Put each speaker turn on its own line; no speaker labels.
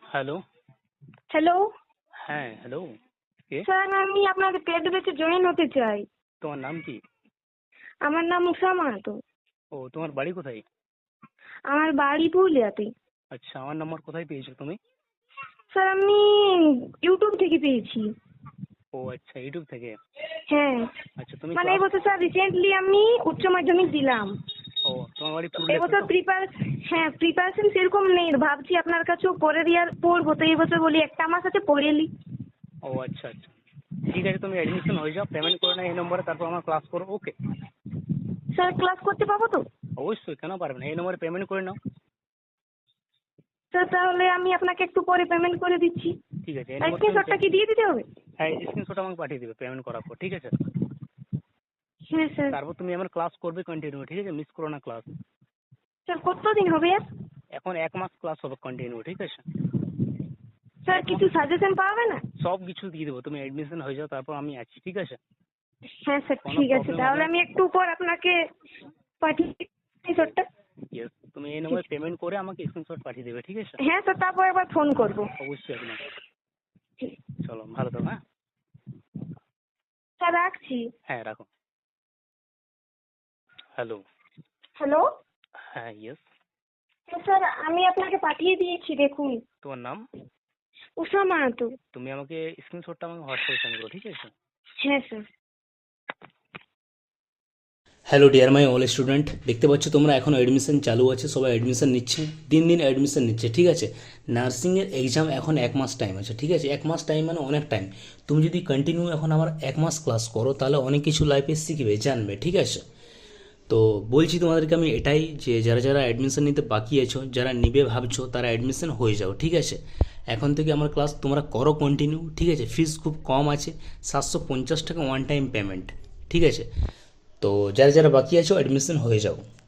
Hello.
Hello
হ্যাঁ, hello. কে?
Sir, আমি আপনাদের পেড ব্যাচে জয়েন হতে চাই।
তোমার নাম কি?
আমার নাম উষা মাহাতো।
ও, তোমার বাড়ি কোথায়?
আমার বাড়ি পুরুলিয়াতে।
আচ্ছা, আমার নাম্বার কোথায় পেয়েছো তুমি?
স্যার, আমি ইউটিউব থেকে পেয়েছি।
ও আচ্ছা, ইউটিউব থেকে।
হ্যাঁ,
আচ্ছা, তুমি
মানে
ক্লাস।
এবছর স্যার রিসেন্টলি আমি উচ্চ মাধ্যমিক দিলাম।
ও, তোমার বাড়ি
তো
পুরুলিয়াতে
এবছর
তো?
প্রিপারেশন সেরকম নেই, ভাবছি আপনার কাছেও পরের ইয়ার পড়বো, তো এবছর বলি একটা আমার সাথে পড়ে নি।
ও আচ্ছা আচ্ছা, ঠিক আছে, তুমি অ্যাডমিশন হয়ে যাও, পেমেন্ট করে নাও এই নম্বরে, তারপর আমরা ক্লাস করবো। ওকে?
স্যার, ক্লাস করতে পাবো তো?
অবশ্যই, কেন পারবে না, এই নম্বরে পেমেন্ট করে নাও।
স্যার, তাহলে আমি আপনাকে একটু পরে পেমেন্ট করে দিচ্ছি।
ঠিক আছে, এই নম্বরে
স্ক্রিনশটটা কি দিয়ে দিতে হবে?
হ্যাঁ, স্ক্রিনশট আমাকে পাঠিয়ে দেবে পেমেন্ট করার পর, ঠিক আছে?
হ্যাঁ স্যার।
তারপর তুমি আমার ক্লাস করবে কন্টিনিউ, ঠিক আছে? মিস করো না ক্লাস।
স্যার, কতদিন হবে আর?
এখন 1 মাস ক্লাস হবে কন্টিনিউ, ঠিক আছে?
স্যার, কিছু সাজেশন পাবে না?
সব কিছু দিয়ে দেবো, তুমি অ্যাডমিশন হয়ে যাও, তারপর আমি আছি, ঠিক আছে?
হ্যাঁ স্যার,
কোনো
ঠিক আছে,
প্রবলেম
তাহলে
হবে?
আমি একটু পর আপনাকে পাঠিয়ে স্ক্রিনশটটা।
ইয়েস, তুমি এই নম্বরে পেমেন্ট করে আমাকে স্ক্রিনশট পাঠিয়ে দেবে, ঠিক আছে?
হ্যাঁ স্যার, তারপর একবার ফোন করবো।
অবশ্যই একদম। চলো, ভালো থাকো। হ্যাঁ।
স্যার, রাখছি।
হ্যাঁ, রাখো। হ্যালো।
হ্যালো।
হ্যাঁ, ইয়েস।
হ্যাঁ স্যার, আমি আপনাকে পাঠিয়ে দিয়েছি, দেখুন।
তোমার নাম?
উষা মাহাতো।
তুমি আমাকে স্ক্রিনশটটা আমাকে হোয়াটসঅ্যাপে সেন্ড করো, ঠিক আছে?
হ্যাঁ sir.
Hello dear my all student, দেখতে পাচ্ছ তোমরা এখনও অ্যাডমিশন চালু আছে, সবাই অ্যাডমিশন নিচ্ছে, দিন দিন অ্যাডমিশন নিচ্ছে, ঠিক আছে? নার্সিংয়ের এক্সাম এখন 1 মাস টাইম আছে, ঠিক আছে? 1 মাস টাইম মানে অনেক টাইম। তুমি যদি কন্টিনিউ এখন আমার 1 মাস ক্লাস করো, তাহলে অনেক কিছু লাইফে শিখবে, জানবে, ঠিক আছে? তো বলছি তোমাদেরকে আমি এটাই, যে যারা যারা অ্যাডমিশন নিতে বাকি আছো, যারা নিবে ভাবছো, তারা অ্যাডমিশন হয়ে যাও, ঠিক আছে? এখন থেকে আমার ক্লাস তোমরা করো কন্টিনিউ, ঠিক আছে? ফিস খুব কম আছে, 750 টাকা ওয়ান টাইম পেমেন্ট, ঠিক আছে? তো যারা যারা বাকি আছো অ্যাডমিশন হয়ে যাও।